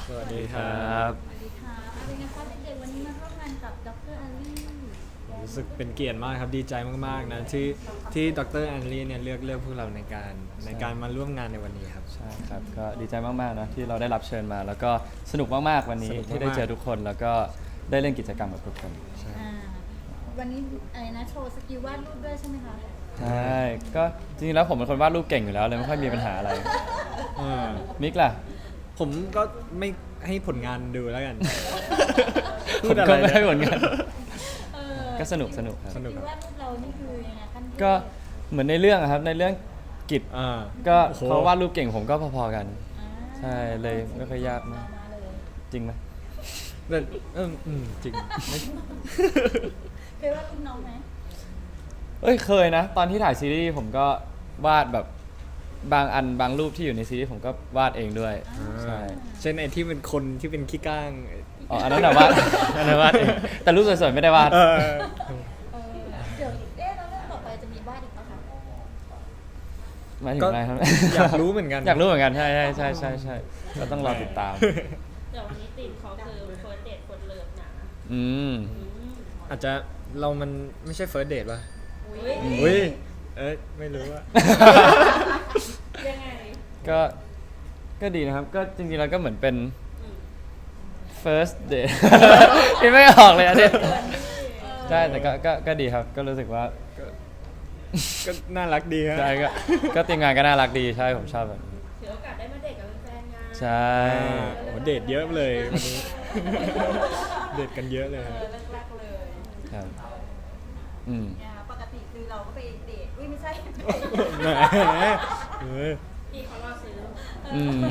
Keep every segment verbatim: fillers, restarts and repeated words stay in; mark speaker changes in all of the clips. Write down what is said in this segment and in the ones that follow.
Speaker 1: สวัสดีครับ
Speaker 2: สวัสดีค่ะเป็นไงคะเด็กๆวันนี้มาร่วมงานกับดรแอลลี่
Speaker 1: รู้สึกเป็นเกียรติมากครับดีใจมากๆนะที่ที่ดรแอนลี่เนี่ยเลือกเลือกพวกเราในการในการมาร่วมงานในวันนี้ครับ
Speaker 3: ใช่ครับก็ดีใจมากๆนะที่เราได้รับเชิญมา แล้วก็สนุกมากๆวันนี้
Speaker 1: สนุกมากๆ
Speaker 3: ที่ได้เจอทุกคนแล้วก็ได้เล่นกิจกรรมกับทุกคน
Speaker 2: อ่าวันนี้อะไรนะโชว์สกิลวาดรูปด้วยใช่ไหมคะ
Speaker 3: ใช่ก็จริงๆแล้วผมเป็นคนวาดรูปเก่งอยู่แล้วเลยไม่ค่อยมีปัญหาอะไร
Speaker 1: เออ
Speaker 3: มิกล่ะ
Speaker 1: ผมก็ไม่ให้ผลงานดูแล้วกัน
Speaker 3: ผมก็ไม่ให้ผลงาน
Speaker 2: เออ
Speaker 3: ก็สนุกสนุกครับ
Speaker 1: สนุก
Speaker 2: สกิลวาดรูปเรานี่คือยังไงขั้นเทพ
Speaker 3: ก็เหมือนในเรื่องอะครับในเรื่องกิจ
Speaker 1: อ่า
Speaker 3: ก็
Speaker 1: โอ้โห
Speaker 3: เขาวาดรูปเก่งผมก็พอๆกัน
Speaker 2: อ่า
Speaker 3: ใช่เลยไม่ค่อยยาก
Speaker 2: มาม
Speaker 3: าก
Speaker 2: มาเลย
Speaker 3: จริงไหม
Speaker 1: แต่เอออืมจริงไม่
Speaker 2: เคยวาดรูปน้องไหม
Speaker 3: เอ้ยเคยนะ ตอนที่ถ่ายซีรีส์ผมก็วาดแบบบางอันบางรูปที่อยู่ในซีรีส์ผมก็วาดเองด้วยใช่
Speaker 1: เช่นไอ้ที่เป็นคนที่เป็นขี้ก้าง
Speaker 3: อ๋ออันนั้นนะวาด อันนั้นวาดเองแต่รูปสวยๆไม่ได้วาด
Speaker 1: เออ
Speaker 2: เออเดี๋ยวเอ๊ะแล้วเรื่องต่อไปจะมีวาดอีกปะคะ
Speaker 3: หมายถึง
Speaker 1: ก็
Speaker 3: อะไรครับ
Speaker 1: อยากรู้เหมือนกัน
Speaker 3: อยากรู้เหมือนกันใช่ใช่ใช่ใช่ใช่ก็ต้องรอติดตาม
Speaker 4: เดี๋ยววันนี้ตีมเขาคือเฟิร์สเดทคนเลิฟนะ
Speaker 3: อืม
Speaker 1: อาจจะเรามันไม่ใช่ first date ป่ะ
Speaker 4: อุ้ย
Speaker 1: อุ้ยเอ้ยไม่รู้อะ
Speaker 4: ยังไง
Speaker 3: ก็ก็ดีนะครับ ก็จริงๆแล้วก็เหมือนเป็น first date คิดไม่ออกเลยอันนี้ใช่แต่ก็ก็ก็ดีครับ ก็รู้สึกว่า
Speaker 1: ก็น่ารักดีฮะ
Speaker 3: ใช่ก็ก็ทีมงานก็น่ารักดีใช่ผมชอบแบบนี้
Speaker 4: ถือโอกาสได้มาเดทกับแฟนๆงาน
Speaker 3: ใช่
Speaker 1: อ่าโหเดทเยอะเลยวันนี้ เดทกันเยอะเลย
Speaker 2: เอ
Speaker 1: ฮะ
Speaker 2: อแรกๆเลย
Speaker 3: ครับอืม
Speaker 2: เนี่ยปกติคือเราก็ไปเดทอุ้ยไม่ใช่
Speaker 1: แหมเออ
Speaker 4: พี่เขารอซื้อ
Speaker 3: อืม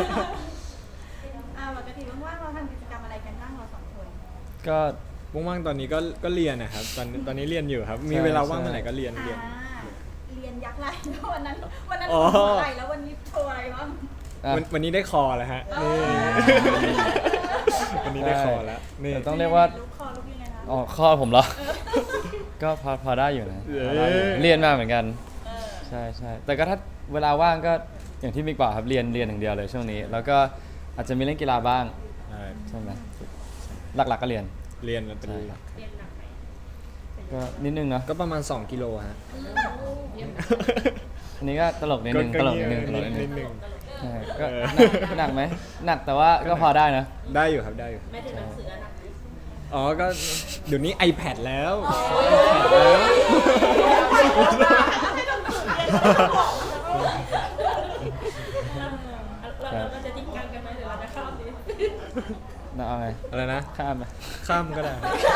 Speaker 2: อ่าปกติว่างๆเราทำกิจกรรมอะไรกันบ้างเราสองคน
Speaker 3: ก็
Speaker 1: ว่างๆตอนนี้ก็ก็เรียนนะครับตอนตอนนี้เรียนอยู่ครับ มีเวลาว่างเมื่อไหร่ก็เรียน
Speaker 2: อ่า
Speaker 1: เรียน
Speaker 2: เรียนยักษ์ไหลวันนั้นวันนั้น
Speaker 1: อ๋อ
Speaker 2: โชว์อะไรแล้ววันนี้โชว์อะไรบ้าง
Speaker 3: อ่ะ
Speaker 1: วันวันนี้ได้คอแล้วฮะนี่วันนี้ได้คอแล้วนี่
Speaker 3: แต่ต้องเรียกว่า
Speaker 2: ลูกคอลูกยังไงคะ
Speaker 3: อ๋อข้อผมเหรอ ก็พอพอได้อยู่นะพอได้อยู่เรียนมาเหมือนกัน
Speaker 2: เออ
Speaker 3: ใช่ใช่แต่ก็ถ้าเวลาว่างก็อย่างที่มิกบอกครับเรียนเรียนอย่างเดียวเลยช่วงนี้ แล้วก็อาจจะมีเล่นกีฬาบ้าง
Speaker 1: ใช่
Speaker 3: ใช่ไหมหลักๆก็เรียน
Speaker 1: เรียนมันเป็น
Speaker 3: ใช่
Speaker 1: หลัก
Speaker 4: เรียนหนักไหม
Speaker 3: ก็นิดนึงเนาะ
Speaker 1: ก็ประมาณ สองกิโลฮะ
Speaker 3: อันนี้ก็ตลกนิดนึง
Speaker 1: ก็
Speaker 3: ตลกนิดนึง
Speaker 1: ก็
Speaker 3: ตลกนิดนึ
Speaker 1: นิ
Speaker 3: ง
Speaker 1: ดนึง
Speaker 3: ใช่ก็
Speaker 1: เออ
Speaker 3: หนักหนักไหมหนักแต่ว่าก็พอได้นะ
Speaker 1: ได้อยู่ครับได้อยู่
Speaker 4: ไม่ถึงหนังสือหนักไหม
Speaker 1: อ๋อ ก็เดี๋ยวนี้ iPad แล้ว iPad แล้ว
Speaker 4: เราเราเราจะจริงจังกันไหมหรือเราจะเข้าดี
Speaker 3: น่าเอาไง
Speaker 1: อะไรนะ
Speaker 3: ข้ามไหม
Speaker 1: ข้ามก็ได้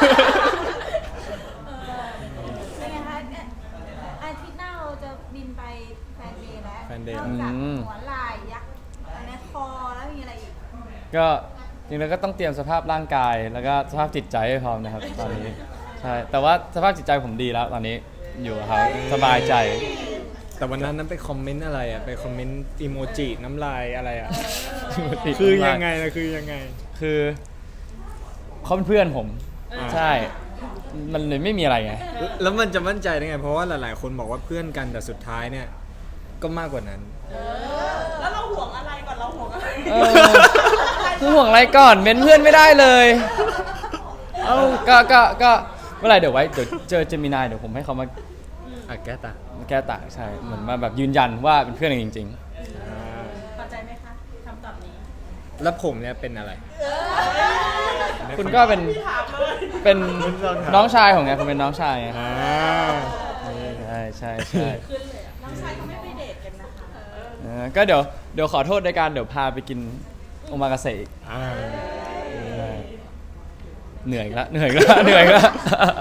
Speaker 2: เป็นไงคะเนี่ยอาทิตย์หน้าเราจะบินไปแฟนเดย์แล้ว
Speaker 1: แฟนเดย์
Speaker 2: นอกจากหัวไหล่ยักษ์อันนี้คอแล้วมีอะไรอีก
Speaker 3: ก็จริงๆแล้วก็ต้องเตรียมสภาพร่างกาย แล้วก็สภาพจิตใจให้พร้อมนะครับตอนนี้ใช่แต่ว่าสภาพจิตใจผมดีแล้วตอนนี้อยู่กับเขาสบายใจ
Speaker 1: แต่วันนั้นนั้นไปคอมเมนต์อะไรอ่ะ ไปคอมเมนต์อีโมจิน้ำลายอะไรอ่ะ
Speaker 3: ติด
Speaker 1: คือ
Speaker 3: มาก
Speaker 1: ยังไงนะคือยังไง
Speaker 3: คือเขาเป็นเพื่อนผม
Speaker 1: อ่า
Speaker 3: ใช่ มันเลยไม่มีอะไรไง
Speaker 1: แล้วมันจะมั่นใจได้ไง เพราะว่าหลาย ๆ คนบอกว่าเพื่อนกันแต่สุดท้ายเนี่ย ก็มากกว่านั้น
Speaker 4: แล้วเราห่วงอะไรก่อนเราห่วงอะไร
Speaker 3: เออคือห่วงอะไรก่อนเม้นเพื่อนไม่ได้เลย เอ้าก็ก็ก็เมื่อไหรเดี๋ยวไว้เดี๋ยวเจอเจมินายเดี๋ยวผมให้เขามา
Speaker 1: อ่ะแก้ตา
Speaker 3: มาแก้ต่างใช่เหมือนมาแบบยืนยันว่าเป็นเพื่อนกันจริง
Speaker 1: อ่า
Speaker 4: พอใจไหมคะคำตอบนี้
Speaker 1: แล้วผมเนี่ยเป็นอะไร
Speaker 3: ๆ คุณก็เป็น
Speaker 4: ถามเลย
Speaker 3: เป็น
Speaker 1: คุณลองถาม
Speaker 3: น้องชายของไงคุณเป็นน้องชายไง
Speaker 1: อ่า
Speaker 3: ใช่ใช่ใช่
Speaker 4: ขึ้นเลยอะน้องชายเขาไม่ไปเดทกันนะคะ
Speaker 3: เออก็เดี๋ยวเดี๋ยวขอโทษในการเดี๋ยวพาไปกินโอมากาเสะอีก
Speaker 1: อ่า
Speaker 3: ใช่เหนื่อยอีกแล้วเหนื่อยอีกแล้วเหนื่อยอีกแล้ว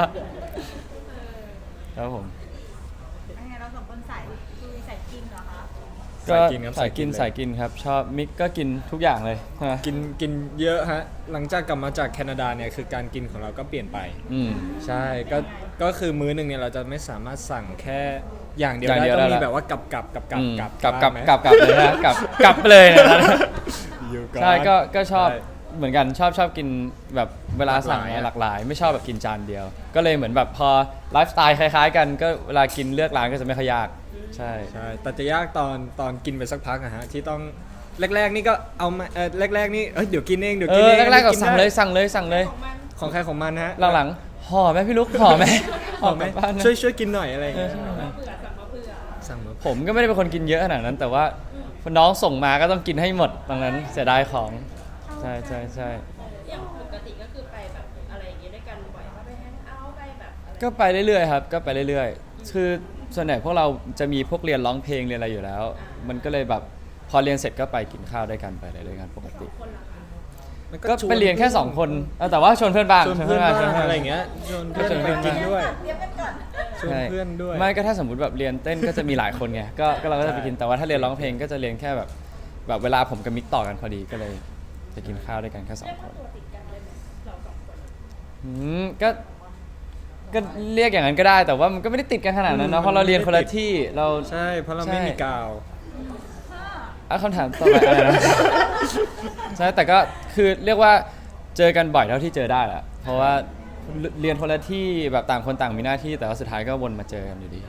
Speaker 3: ครับผม
Speaker 2: เป็นไงเราสองคนสายคุยสายกินเหรอคะ
Speaker 3: ก็
Speaker 1: สายกินครับ
Speaker 3: สายกิน
Speaker 1: เลย
Speaker 3: สายกินครับ ชอบมิกก็กินทุกอย่างเลยใช่ไหม
Speaker 1: กินกินเยอะฮะ หลังจากกลับมาจากแคนาดาเนี่ยคือการกินของเราก็เปลี่ยนไป
Speaker 3: อืม
Speaker 1: ใช่ ก็ ก็คือมื้อหนึ่งเนี่ยเราจะไม่สามารถสั่งแค่อย่างเดียว
Speaker 3: อย่าง
Speaker 1: ได้
Speaker 3: เดียว
Speaker 1: ต้องมี
Speaker 3: ได้ละ
Speaker 1: แบบว่ากับกับกับกับ
Speaker 3: อืม
Speaker 1: กับ
Speaker 3: กลับกลับ
Speaker 1: บ้างไหม
Speaker 3: กลับกลับเลยนะกลับกลับไปเลยนะ
Speaker 1: อยู่อน
Speaker 3: ใช่ก็ก็ชอบ
Speaker 1: ใช่
Speaker 3: เหมือนกันชอบชอบกินแบบเวลาสั่ง
Speaker 1: หลากหลายอะ
Speaker 3: หลากหลาย ไม่ชอบแบบกินจานเดียว ก็เลยเหมือนแบบพอไลฟ์สไตล์คล้ายๆกันก็เวลากินเลือกร้านก็จะไม่ค่อยยากใช่
Speaker 1: ใช่ แต่จะยากตอนตอนกินไปสักพักอะฮะที่ต้องแรกๆนี่ก็เอามาเออแรกๆนี่เอ้ยเดี๋ยวกินเองเดี๋ยว
Speaker 3: เอ
Speaker 1: กิน
Speaker 3: อ
Speaker 1: เอง
Speaker 3: แรกๆก็
Speaker 1: นนี้
Speaker 3: สั่ง
Speaker 1: ได้
Speaker 3: เลยสั่งเลยสั่งเลย
Speaker 4: ของมัน
Speaker 1: ของใครของมันฮะ
Speaker 3: หลังๆห่อไหมพี่ลุกห่อไหม
Speaker 1: หอมไหม
Speaker 3: กลับบ้านนะ
Speaker 1: ช่วยช่วยกินหน่อยอะไรอย่างเงี้ย
Speaker 4: เผื่อสั่งมาเผื่อ
Speaker 1: สั่งมา
Speaker 3: ผมก็ไม่ได้เป็นคนกินเยอะขนาดนั้น แต่ว่าน้องส่งมาก็ต้องกินให้หมดตรงนั้นเสียดายของใช่ใช่ใช่
Speaker 4: อย่างปกติก็คือไปแบบอะไรอย่างเงี้ยด้วยกันบ่อยว่าไปแฮงเอาท์ไปแบบอะไร
Speaker 3: ก็ไปเรื่อยๆครับก็ไปเรื่อยๆคือส่วนใหญ่พวกเราจะมีพวกเรียนร้องเพลงเรียนอะไรอยู่แล้ว มันก็เลยแบบพอเรียนเสร็จก็ไปกินข้าวด้วยกันไปอะไรด้วยกันปกติ
Speaker 4: คนละค่ะ
Speaker 1: มัน
Speaker 3: ก็ไปเรียนแค่สองคนเออแต่ว่าชวนเพื่อนบ้าง
Speaker 1: ชวนเพื่อนบ้าง
Speaker 3: ชวนเพื่อน
Speaker 1: อะไร
Speaker 3: บ้าง
Speaker 1: อย่างเงี้ยชวนเพื่อน
Speaker 3: ชวนเพื่
Speaker 1: ไป
Speaker 3: อน
Speaker 1: กินด้วย
Speaker 2: เตรียมกันก่อน
Speaker 1: ชวน
Speaker 3: ใช่
Speaker 1: เพื่อนด้วย
Speaker 3: ไม่ก็ถ้าสมมติแบบเรียนเต้นก็จะมีหลายคนไงก็ก็เราก็จะไปกินแต่ว่าถ้าเรียนร้องเพลงก็จะเรียนแค่แบบแบบเวลาผมกับมิกต่อกันพอดีก็เลยจะกินข้าวด้วยกันแค่สอง
Speaker 4: เรียก
Speaker 3: ค
Speaker 4: ว่าน ตัวติดกันเลยไหมเราสองคน
Speaker 3: อืมก็ก็เรียกอย่างนั้นก็ได้แต่ว่ามันก็ไม่ได้ติดกันขนาดนั้น
Speaker 1: อื
Speaker 3: เนาะ
Speaker 1: ม
Speaker 3: เพราะเราเรียน
Speaker 1: มัน
Speaker 3: คน
Speaker 1: ไม่
Speaker 3: ละ
Speaker 1: ติด
Speaker 3: ที่เรา
Speaker 1: ใช่เพราะเรา
Speaker 3: ใช่
Speaker 1: ไม่มีกาว
Speaker 3: อ่ะคำถามต่อไปอะไรนะ ใช่แต่ก็คือเรียกว่าเจอกันบ่อยเท่าที่เจอได้แหละเพราะว่าเรียนคนละที่แบบต่างคนต่างมีหน้าที่แต่ว่าสุดท้ายก็วนมาเจอกันอยู่ดี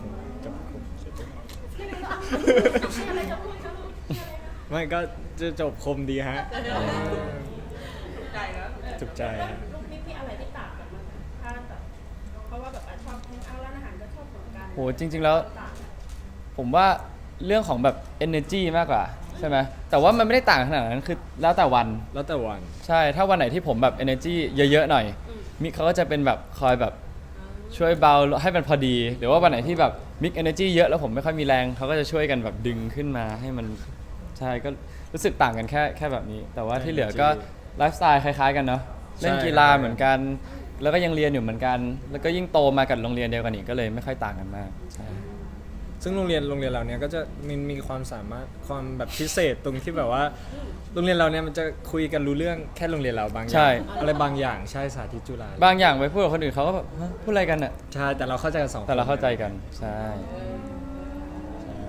Speaker 1: ไม่ก็จะจบคมดีฮะจุกใจฮะ
Speaker 4: ลูกนี่มีอะไรที่ต่างกันบ้างไหมถ้าแบบเพราะว่าแบบอ่ะชอบแฮงเอาท์ร้านอาหารก็ชอบเหมือนกัน
Speaker 3: โหจริง ๆแล้ว
Speaker 4: ต่างกัน
Speaker 3: ผมว่าเรื่องของแบบ energy มากกว่าใช่ไหมแต่ว่ามันไม่ได้ต่างขนาดนั้นคือแล้วแต่วัน
Speaker 1: แล้วแต่วัน
Speaker 3: ใช่ถ้าวันไหนที่ผมแบบ energy เยอะๆหน่อย มิกเขาก็จะเป็นแบบคอยแบบช่วยเบาให้มันพอดี หรือว่าวันไหนที่แบบมิก energy เยอะแล้วผมไม่ค่อยมีแรงเขาก็จะช่วยกันแบบดึงขึ้นมาให้มันใช่ก็รู้สึกต่างกันแค่แค่แบบนี้ แต่ว่าที่เหลือก็ไลฟ์สไตล์คล้ายๆกันเนาะเล่นกีฬาเหมือนกัน แล้วก็ยังเรียนอยู่เหมือนกัน แล้วก็ยิ่งโตมากับโรงเรียนเดียวกันอีกก็เลยไม่ค่อยต่างกันมากใช่
Speaker 1: ซึ่งโรงเรียนโรงเรียนเราเนี้ยก็จะมีมีความสามารถความแบบพิเศษตรงที่แบบว่า โรงเรียนเราเนี่ยมันจะคุยกันรู้เรื่องแค่โรงเรียนเราบางอย่า
Speaker 3: ใช่
Speaker 1: งอะไรบางอย่างใช่สาธิตจุฬา
Speaker 3: บางอย่างไปพูดกับคนอื่นเขาก็แบบฮะพูดอะไรกันอ่ะ
Speaker 1: ใช่แต่เราเข้าใจกันสองคน
Speaker 3: แต่เราเข้าใจกันใช่ใช่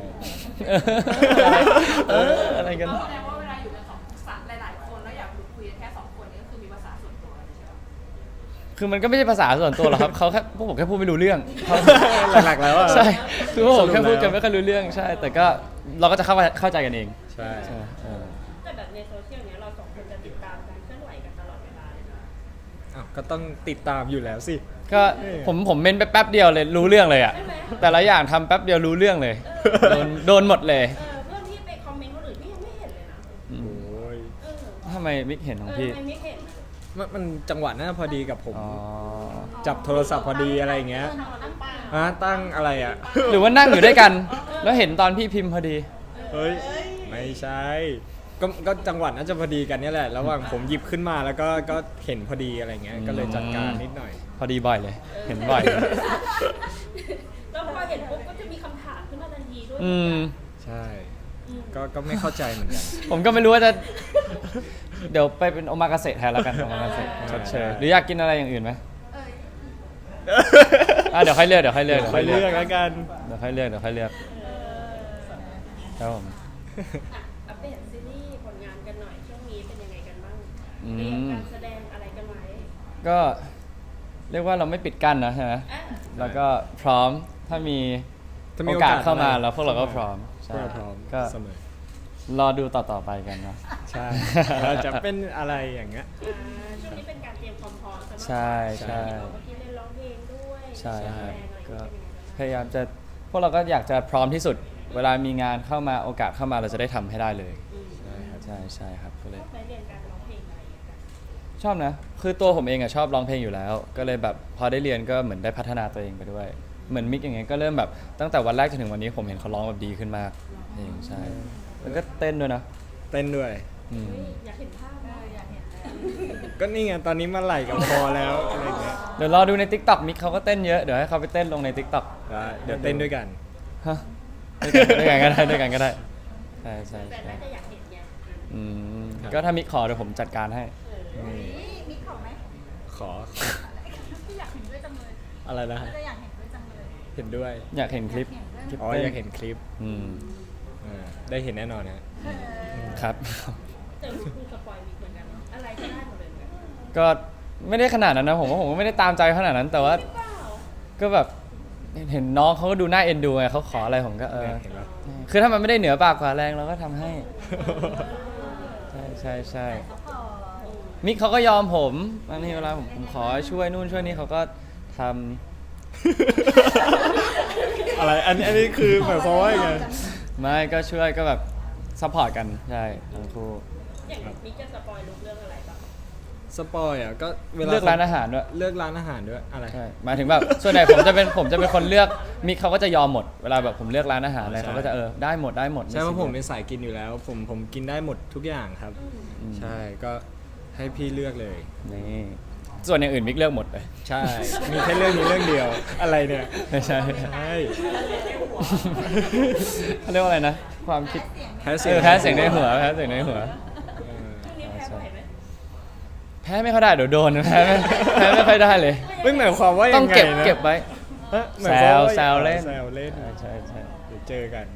Speaker 3: เอออะไรกัน
Speaker 5: แสดงว่าเวลาอยู่กันสองสามหลายๆคนแล้วอยากคุยกันแค่สองคนนี่ก็คือมีภาษาส่วนตัวใช่ไหม
Speaker 3: คือมันก็ไม่ใช่ภาษาส่วนตัวหรอกครับเขาแค่พวกผมแค่พูดไม่รู้เรื่องเขา
Speaker 1: หลักๆแล้วอะ
Speaker 3: ใช่คือพวกผมแค่
Speaker 1: สรุปแล้ว
Speaker 3: พูดกันไม่ค่อยรู้เรื่องใช่ แต่ก็เราก็จะเข้าเข้าใจกันเอง
Speaker 1: ใช่
Speaker 3: ใช่เออ
Speaker 4: แต่แบบในโซเชียลเนี้ยเราสองคนจะติดตามการเคลื่อนไหวกันตลอดเวลาเลยนะ
Speaker 1: อ้าวก็ต้องติดตามอยู่แล้วสิ
Speaker 3: ก็
Speaker 1: เออ
Speaker 3: ผมผมเมนไปแป๊บเดียวเลยรู้เรื่องเลยอ่ะแต่ละอย่างทำแป๊บเดียวรู้เรื่องเลยโดนโดนหมดเลย
Speaker 4: เออเพื่อนที่ไปคอมเมนต์คนอื่นพี่ยังไม่เห็นเลยนะ
Speaker 3: อืม
Speaker 1: โอ้ย
Speaker 4: เออ
Speaker 3: ทำไมมิกเห็นของ
Speaker 4: เออ
Speaker 3: พี่
Speaker 4: ทำไมไม่เห็นอะ
Speaker 1: มันมันจังหวะน่าพอดีกับผม
Speaker 3: อ๋อ
Speaker 1: จับโทรศัพท์พอดีอะไรอย่างเงี้ย
Speaker 4: ตั้งป่า
Speaker 1: ฮะตั้งอะไรอ่ะ
Speaker 3: หรือว่านั่งอยู่ด้วยกัน แล้วเห็นตอนพี่พิมพ์พอดี
Speaker 1: เฮ้ยไม่ใช่ ก็ก็จังหวะน่าจะพอดีกันเนี่ยแหละระหว่างผมหยิบขึ้นมาแล้วก็ก็เห็นพอดีอะไรเงี้ยก็เลยจัดการนิดหน่อย
Speaker 3: พอดีบ่อยเลย เห็นบ่อยเลย
Speaker 4: แล้วพอเห็นปุ๊บก็จะมีคำถามขึ้นมาทันทีด้วย
Speaker 3: อืม
Speaker 1: ใช่ ก็ก็ไม่เข้าใจเหมือนกัน
Speaker 3: ผมก็ไม่รู้ว่าจะ เดี๋ยวไปเป็นโอมากาเสะแทนแล้วกันโอมากาเสะชดเชยหรืออยากกินอะไรอย่างอื่นไหม
Speaker 2: เอ้ย
Speaker 3: อ่ะเดี๋ยวค่อยเลือกเดี๋ยวค่อยเลือก
Speaker 1: ค่อยเลือกแล้วกัน
Speaker 3: เดี๋ยวค่อยเลือกเดี๋ยวค่อยเลือกครับผม
Speaker 4: อ่ะอัปเดตซีรีส์ผลงานกันหน่อยช่วงนี้เป็นยังไงกันบ้าง
Speaker 3: อืม
Speaker 4: เตรียมการแสดงอะไรกันไหม
Speaker 3: ก็เรียกว่าเราไม่ปิดกั้นนะใช่ไหม
Speaker 4: อ่ะ
Speaker 3: แล้วก็พร้อมถ้ามี
Speaker 1: ถ้ามี
Speaker 3: โอกาสเข้ามา
Speaker 1: โอกาสอะไร
Speaker 3: แล้วพวกเราก็พร้อม
Speaker 1: พว
Speaker 3: ใช่
Speaker 1: กเราพร้อม
Speaker 3: ก็
Speaker 1: เสมอ
Speaker 3: รอดูต่อๆไปกันเนาะ
Speaker 1: ใช่เราจะเป็นอะไรอย่างเงี้ย
Speaker 4: อ่าช่วงนี้เป็นการเตรียมความพร้อมสำหรับ
Speaker 3: ใช่ใช่
Speaker 4: เมื่อกี้เล่นร้องเพลงด้วย
Speaker 3: ใช่ครับ
Speaker 4: แสดงอะไร
Speaker 3: ก็
Speaker 4: เป็นยังไงบ้าง
Speaker 3: พยายามจะพวกเราก็อยากจะพร้อมที่สุด เวลามีงานเข้ามาโอกาสเข้ามาเราจะได้ทำให้ได้เลย
Speaker 4: อืม
Speaker 3: ใช่ครับใช่ใช่ครับก็เลย
Speaker 4: ชอบไหมเรียนการร้องเพลงอะไรอย่างเงี้ย
Speaker 3: ชอบนะ คือตัวผมเองอะชอบร้องเพลงอยู่แล้ว ก็เลยแบบพอได้เรียนก็เหมือนได้พัฒนาตัวเองไปด้วย เหมือนมิกอย่างเงี้ยก็เริ่มแบบตั้งแต่วันแรกจนถึงวันนี้ผมเห็นเขาร้องแบบดีขึ้นมากเพลงใช่ แล้วก็เต้นด้วยนะ
Speaker 1: เต้นด้วย
Speaker 3: อืม
Speaker 4: เฮ้ยอยากเห็นภาพ
Speaker 2: เอ
Speaker 4: นะ
Speaker 2: ออยากเห็นแล้ว
Speaker 1: ก็นี่ไงตอนนี้มาไหลกับพอแล้วอะไรเงี้ย
Speaker 3: เดี๋ยวรอดูใน ทิกตอกมิกเขาก็เต้นเยอะ เดี๋ยวให้เขาไปเต้นลงใน ทิกตอก
Speaker 1: ได้เดี๋ยวเต้นด้วยกัน
Speaker 3: ฮะด้วยกันก็ได้ด้วยกันก็ได้ ใช่ใช่
Speaker 4: แต่
Speaker 3: ใช่
Speaker 4: น่าจะอยากเห็นไง
Speaker 3: อืมก็ถ้ามิกขอเดี๋ยวผมจัดการให้
Speaker 1: นี่
Speaker 2: นี่มีของไหม
Speaker 1: ขอ
Speaker 2: อยากเห็นด้วยจังเลย
Speaker 1: อะไรนะฮะ
Speaker 2: จะอยากเห็นด้วยจังเลย
Speaker 1: เห็นด้วย
Speaker 3: อยากเห็นคลิป
Speaker 2: อยากเห็นด้วย
Speaker 1: อ๋ออยากเห็นคลิป
Speaker 3: อืม
Speaker 1: อ่าได้เห็นแน่นอนนะ
Speaker 2: เออ
Speaker 3: ครับ
Speaker 4: แต่ดูสปอยมิกเหมือนกันเนอะอะไรก็ได้หมดเลยเหมือนกัน
Speaker 3: ก็ไม่ได้ขนาดนั้นนะผมว่าผมก็ไม่ได้ตามใจขนาดนั้น แต่ว่า
Speaker 4: เปล่า
Speaker 3: ก็แบบเห็นน้องเขาก็ดูน่าเอ็นดูไงเขาขออะไรผมก็เออ
Speaker 1: เห็นปะ
Speaker 3: คือถ้ามันไม่ได้เหนือปากกว่าแรงเราก็ทำให้ ใช่ใช่ใช่
Speaker 2: ซัพพอร์ต
Speaker 3: มิกเขาก็ยอมผมบางทีเวลาผมผมขอช่วยนู่นช่วยนี่เขาก็ทำ
Speaker 1: อะไรอันนี้อันนี้คือหมายความว่ายังไง
Speaker 3: ไม่ก็ช่วยก็แบบซัพพอร์ตกันใช่ทั้งคู่
Speaker 4: อย่างมิกจะสปอยลุกเรื่องอะไรบ้าง
Speaker 1: สปอยอ่ะก็เวลา
Speaker 3: เลือกร้านอาหารด้วย
Speaker 1: เลือกร้านอาหารด้วยอะไร
Speaker 3: ใช่หมายถึงแบบส่วนใหญ่ผมจะเป็นผมจะเป็นคนเลือกมิกเขาก็จะยอมหมดเวลาแบบผมเลือกร้านอาหารอะไร
Speaker 1: ใช่
Speaker 3: เขาก็จะเออได้หมดได้หมด
Speaker 1: ใช่เพราะผม
Speaker 3: ไซี
Speaker 1: เป็น
Speaker 3: ยส
Speaker 1: สายกินอยู่แล้ว ผมผมกินได้หมดทุกอย่างครับ
Speaker 3: อืม
Speaker 1: ใช่ก็ให้พี่เลือกเลย
Speaker 3: นี่ส่วนอย่างอื่นมิกเลือกหมดเลย
Speaker 1: ใช่ มีแค่เรื่องนี้เรื่องเดียวอะไรเนี่ย
Speaker 3: ไม่ใช่
Speaker 1: ใช่
Speaker 3: เขาเรียกว่าอะไรนะ ความคิด
Speaker 1: แพ้
Speaker 3: เอ
Speaker 1: เสียง
Speaker 3: อแพ้เสียงในหัวแพ้เสียงในหัว
Speaker 1: เออ
Speaker 4: ช่วงนี้แพ้บ่อยไหม
Speaker 3: แพ้ไม่ค่อยได้เดี๋ยวโดนแพ้ไม่แพ้ไม่ค่อยได้เลย
Speaker 1: ไม่หมายความว่า
Speaker 3: ต้
Speaker 1: ยั
Speaker 3: อง
Speaker 1: งไง
Speaker 3: เก็บ
Speaker 1: นะ
Speaker 3: เก็บไว้
Speaker 1: ฮะหมายความว่า
Speaker 3: แซวเล่น
Speaker 1: แซวเล่น
Speaker 3: ใช่ใช่ใช่
Speaker 1: เดี๋ยวเจอกัน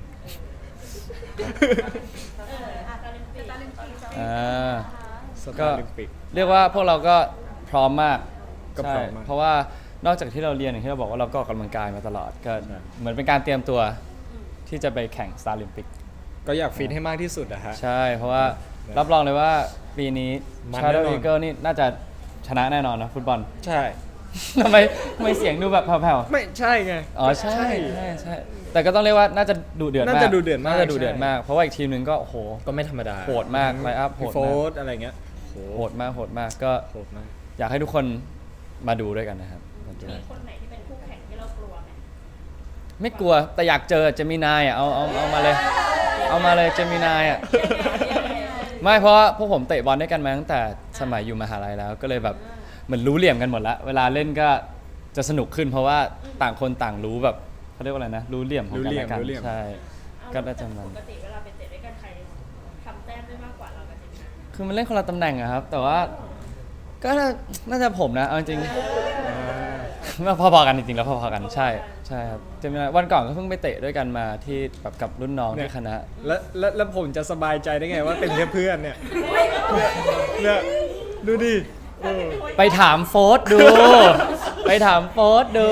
Speaker 2: เอออ่ะตาลิมปิกตาลิมปิก
Speaker 3: อ่า
Speaker 1: ส
Speaker 3: ก็
Speaker 1: ตาร์ลิมปิก
Speaker 3: เรียกว่าพวกเราก็พร้อมมาก
Speaker 1: ก็พร้อมมาก
Speaker 3: ใช่เพราะว่านอกจากที่เราเรียนอย่างที่เราบอกว่าเราก็ออกกำลังกายมาตลอดก็เหมือนเป็นการเตรียมตัวที่จะไปแข่งสตาร์ลิมปิก
Speaker 1: ก็อยากฟิตให้มากที่สุดอะฮะ
Speaker 3: ใช่ เพราะว่ารับรองเลยว่าปีนี้
Speaker 1: มัน
Speaker 3: Shadow
Speaker 1: แน่นอน
Speaker 3: Eagle นี่น่าจะชนะแน่นอนนะฟุตบอล
Speaker 1: ใช่
Speaker 3: ทำไมทำไมเสียงดูแบบแผ่ว
Speaker 1: ไม่ใช่ไง
Speaker 3: ๆอ๋อใช่ใช่ใช่แต่ก็ต้องเรียกว่าน่าจะดุเดือดมาก
Speaker 1: น่าจะดุเดือดมาก
Speaker 3: น่าจะดุเดือด
Speaker 1: ใช่
Speaker 3: มากเพราะว่าอีกทีมหนึ่งก็โอ้โห
Speaker 1: ก็ไม่ธรรมดา
Speaker 3: โหดมากไลน์อัพโหดมาก
Speaker 1: พี่โฟร์อะไรเงี้ยโห
Speaker 3: โหดมากโหดมากก็
Speaker 1: โหดมาก
Speaker 3: อยากให้ทุกคนมาดูด้วยกันนะครับมาดู
Speaker 4: มีคนไหนที่เป็นคู่แข่งที่เรากลัวไหม
Speaker 3: ไม่กลัวแต่อยากเจอเจมินายอ่ะเอาเอาเอามาเลย เอามาเลยเจมินายอ่ะไม่เพราะว่าพวกผมเตะบอลด้วยกันมาตั้งแต่สมัยอยู่มหาลัยแล้ว ก็เลยแบบเหมือนรู้เหลี่ยมกันหมดแล้วเวลาเล่นก็จะสนุกขึ้น เพราะว่าต่างคนต่างรู้แบบเขาเรียกว่าอะไรนะรู้เหลี่ยมของกันและกันใช่ก็น่าจะมัน
Speaker 4: ปกติเวลาไปเตะด้วยกันใครทำแต้มได้มากกว่าเรากับเจมินา
Speaker 3: คือมันเล่นคนละตำแหน่งอะครับ แต่ว่าก็น่าน่าจะผมนะเอาจริงๆพอๆกันจริงๆแล้วพอๆกันใช่ใช่ครับเจมินายวันก่อนก็เพิ่งไปเตะด้วยกันมาที่แบบกับรุ่นน้องที่คณะ
Speaker 1: แล้วแล้วแล้วผมจะสบายใจได้ไงว่าเป็นแค่เพื่อนเนี่ยเนี่ยดูดิเออ
Speaker 3: ไปถามโฟสดู ไปถามโฟสดู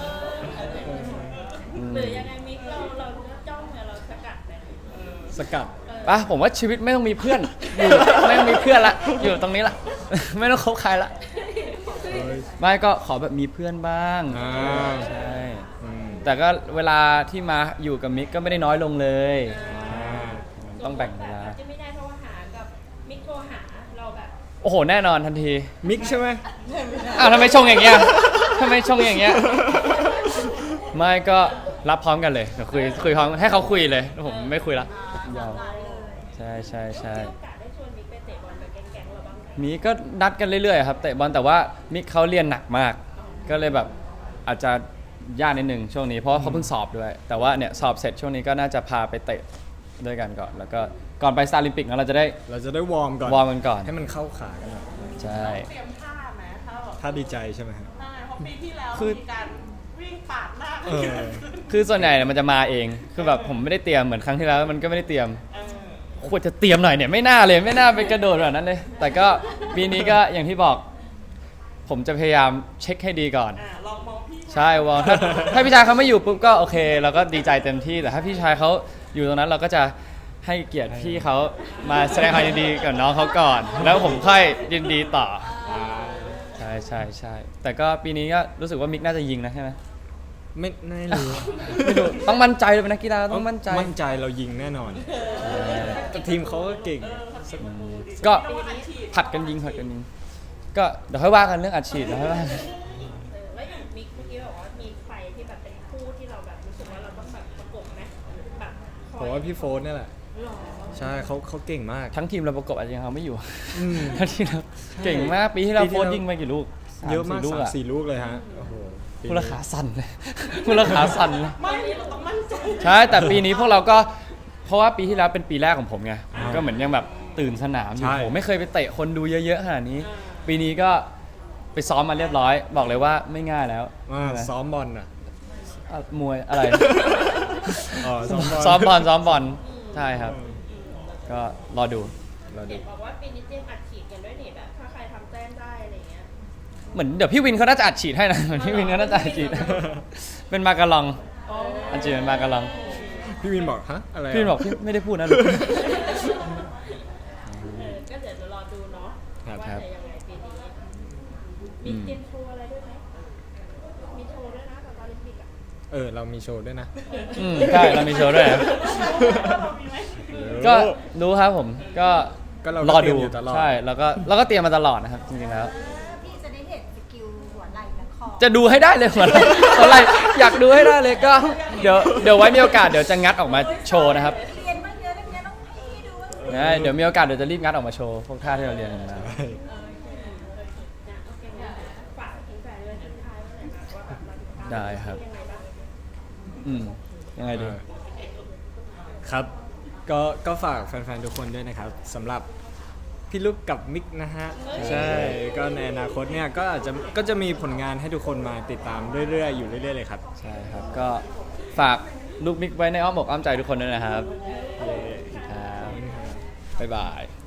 Speaker 4: หรือยังไงมิกเราเราจ้องเนี่ยเราสกัดเลย
Speaker 1: สกัด
Speaker 3: ปะผมว่าชีวิตไม่ต้องมีเพื่อนอยู่ไม่ต้องมีเพื่อนละอยู่ตรงนี้ละ ไม่ต้องคบใครละไม่ก็ขอแบบมีเพื่อนบ้าง
Speaker 1: อ่า
Speaker 3: ใช่
Speaker 1: อืม
Speaker 3: แต่ก็เวลาที่มาอยู่กับมิกก็ไม่ได้น้อยลงเลย
Speaker 1: อ่า
Speaker 3: ต้องแบ่งเวลา
Speaker 4: จะไม่ได้เพราะว่าหากับมิกโทรหาเราแบบ
Speaker 3: โอ้โหแน่นอนทันที
Speaker 1: มิกใช่ไหม
Speaker 3: อ้าวทำไมชงอย่างเงี้ยทำไมชงอย่างเงี้ยไม่ก็รับพร้อมกันเลยเดี๋ยวคุยคุยพร้อมให้เขาคุยเลยผมไม่คุยละยาวใช่ใช่ใช่
Speaker 4: มีโอกาสได้ชวนมิกไปเตะบอลกับแก๊งๆเราบ้างไหม
Speaker 3: มีก็นัดกันเรื่อยๆครับเตะบอลแต่ว่ามิกเขาเรียนหนักมาก ก็เลยแบบอาจจะยากนิดนึงช่วงนี้เพราะว่าเขาเพิ่งสอบด้วย แต่ว่าเนี่ยสอบเสร็จช่วงนี้ก็น่าจะพาไปเตะด้วยกันก่อน แล้วก็ก่อนไปสตาร์ลิมปิกเราจะได้
Speaker 1: เราจะได้วอร์มก่อน
Speaker 3: วอร์มกันก่อน
Speaker 1: ให้มันเข้าขากันหน่อย
Speaker 3: ใช่
Speaker 5: เตรียมท่าไหมถ้าแบบ
Speaker 1: ถ้าดีใจใช่ไหมครับ
Speaker 5: ใช่เพราะปีที่แล้ว
Speaker 3: คือ
Speaker 5: มีการวิ่งปาดหน้า
Speaker 1: เออ
Speaker 3: คือส่วนใหญ่เนี่ยมันจะมาเองคือแบบผมไม่ได้เตรียมเหมือนครั้งที่แล้วมันก็ไม่ได้เตรียม
Speaker 5: เออ
Speaker 3: ควรจะเตรียมหน่อยเนี่ยไม่น่าเลยไม่น่าไปกระโดดแบบนั้นเลย แต่ก็ปีนี้ก็อย่างที่บอก ผมจะพยายามเช็คให้ดีก่อน
Speaker 5: อ่าลองมองพี่
Speaker 3: ใช่วอลถ้าถ้าพี่ชายเขาไม่อยู่ปุ๊บก็โอเคเราก็ดีใจเต็มที่แต่ถ้าพี่ชายเขาอยู่ตรงนั้นเราก็จะให้เกียรติพี่เขามาแสดงความยินดีกับน้องเขาก่อน แล้วผมค่อยยินดีต่อ
Speaker 1: อ่า
Speaker 3: ใช่ใช่ใช่แต่ก็ปีนี้ก็รู้สึกว่ามิกน่าจะยิงนะใช่ไหม
Speaker 1: ไม่ไม่รู้
Speaker 3: ไม่รู้ต้องมั่นใจเลยเป็นนักกีฬาต้องมั่นใจ
Speaker 1: มั่นใจเรายิงแน่นอนแต่ทีมเขาก็เก่ง
Speaker 3: ก็ผัดกันยิงผัดกันยิงก็เดี๋ยวค่อยว่ากันเรื่องอัดฉีดเดี๋ยวค่อยว่ากัน
Speaker 4: เออแล้วอย่างมิกเมื่อกี้บอกว่ามีใครที่แบบเป็นคู่ที่เราแบบรู้สึกว่าเราต้องแบบประกบไหมแบบค
Speaker 1: ผ
Speaker 4: อย
Speaker 1: มว่าพี่โฟนนี่แหละ
Speaker 4: หรอ
Speaker 1: ใช่เขาเขาเก่งมาก
Speaker 3: ทั้งทีมเราประกบอาจจะยังเอาไม่อยู่
Speaker 1: อืม
Speaker 3: ทั้งทีมเราเก่งมากปีที่เรา
Speaker 1: ปีที่
Speaker 3: โค้ช
Speaker 1: แล้ว
Speaker 3: ยิงไปกี่ลูกส
Speaker 1: เยอะมาก
Speaker 3: สี่ลูก
Speaker 1: สาม
Speaker 3: อะ
Speaker 1: สี่ลูกเลยฮะโอ้โหปีนี้
Speaker 3: ผู้ราขาสั่นเลย ผู้ราขาสั่นเลย
Speaker 5: ไม่เราต้องมั่นใจ
Speaker 3: ใช่แต่ปีนี้พวกเราก็เพราะว่าปีที่แล้วเป็นปีแรกของผมไงก็เหมือนยังแบบตื่นสนามอยู่
Speaker 1: ใช่
Speaker 3: โหไม่เคยไปเตะคนดูเยอะๆขนาดนี้ ปีนี้ก็ไปซ้อมมาเรียบร้อย บอกเลยว่าไม่ง่ายแล้ว
Speaker 1: อ่า
Speaker 3: ใช่ไหม
Speaker 1: ซ้อมบอลน่ะ
Speaker 3: อ่ะมวยอะไร
Speaker 1: อ๋อซ้อมบอล
Speaker 3: ซ้อมบอลซ้อมบอลใช่ครับ ก็รอดู
Speaker 1: เราดู
Speaker 4: เห็นบอกว่าปีนี้เตรียมอัดฉีดกันด้วยนี่แบบถ้าใครทำแต้มได้อะไรเงี้ย
Speaker 3: เหมือนเดี๋ยวพี่วินเขาน่าจะอัดฉีดให้นะ เหมือนพี่วินเขาน่าจะอัดฉีด ใเป็นมากะลองอันจริงเป็นมากะลอง
Speaker 1: พี่วินบอกฮะอะไระ
Speaker 3: พี่บอกพี่ไม่ได้พูดนะลูก
Speaker 4: เออก็เดี๋ยวจะรอดูเนาะ
Speaker 1: ครับ
Speaker 4: ว่า
Speaker 3: ครับ
Speaker 4: จะยังไงปีนี้
Speaker 3: อื
Speaker 4: มี
Speaker 3: ม
Speaker 4: เตรียมโชว์อะไรด้วยไหมมีโชว์ด้วยนะกับโอลิมปิกอ่ะ
Speaker 1: เออเรามีโชว์ด้วยนะ
Speaker 3: อืมใช่เรามีโชว์ด้วยนะ
Speaker 4: มีไหม
Speaker 3: ก็รู้ครับผมก็
Speaker 1: ก็เรา
Speaker 3: รอ
Speaker 1: เตรี
Speaker 3: ดู
Speaker 1: ยมอยู่ตลอด
Speaker 3: ใช่แล้วก็เราก็เตรียมมาตลอดนะครับจริงๆแล้ว
Speaker 2: เออพี่จะได้เห็นสกิลหัวไหล่และคอ
Speaker 3: จะดูให้ได้เลยเหมือนอะไรอยากดูให้ได้เลยก็เดี๋ยวเดี๋ยวไว้มีโอกาสเดี๋ยวจะงัดออกมาโชว์นะครับ
Speaker 2: เรียนมาเยอะนักเรียนต้องพี่ดูว่า
Speaker 3: นะเดี๋ยวมีโอกาสเดี๋ยวจะรีบงัดออกมาโชว์พวกท่าที่เราเรียนกันมา
Speaker 4: นะโอเคนะฝากถึงแฟนเลยทิ้งท้ายไว้หน่อยนะว่าแบบเราติดตาม
Speaker 3: ได้ครับ
Speaker 4: ยังไงบ้าง
Speaker 3: อืมยังไงดี
Speaker 1: ครับ ก็ก็ฝากแฟนๆทุกคนด้วยนะครับสำหรับพี่ลูกกับมิกนะฮะ ใช่ ก็ในอนาคตเนี่ยก็อาจจะก็จะมีผลงานให้ทุกคนมาติดตามเรื่อยๆ อยู่เรื่อยๆเลยครับ
Speaker 3: ใช่ครับก็ฝากลูกมิกไว้ในอ้อมอกอ้อมใจทุกคนด้วยนะครับ
Speaker 1: เย้
Speaker 3: ครับบ๊ายบาย